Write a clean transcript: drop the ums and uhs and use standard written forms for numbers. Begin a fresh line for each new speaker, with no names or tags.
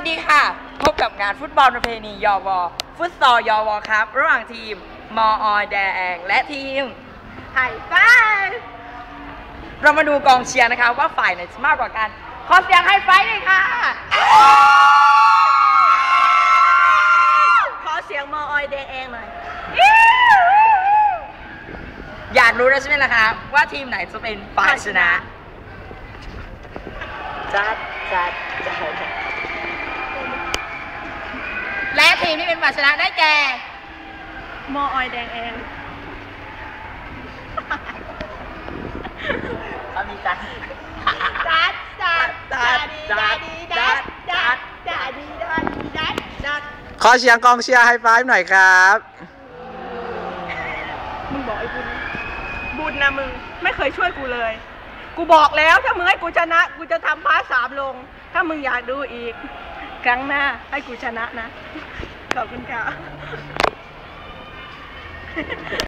ดีค่ะพบกับงานฟุตบอลประเพณียวฟุตซอลยวครับระหว่างทีมมอแดงและทีมไห่ฟ้าเรามาดูกองเชียร์นะคะว่าฝ่ายไหนจะมากกว่ากันขอเสียงไฮไฟว์เลยค่ะ
ขอเสียงมอแดงหน่อย
อยากรู้แล้วใช่ไหมล่ะคะว่าทีมไหนจะเป็นฝ่ายชนะจัดและทีมที่เป็นฝ่ายชนะได้แก่
มอแดง
เขามีจัด
ขอเสียงกองเชียร์ไฮไฟว์หน่อยครับ
มึงบอกไอ้บุญนะมึงไม่เคยช่วยกูเลยกูบอกแล้วถ้ามึงให้กูชนะกูจะทำพาร์ท 3ลงถ้ามึงอยากดูอีกครั้งหน้าให้กูชนะนะขอบคุณค่ะ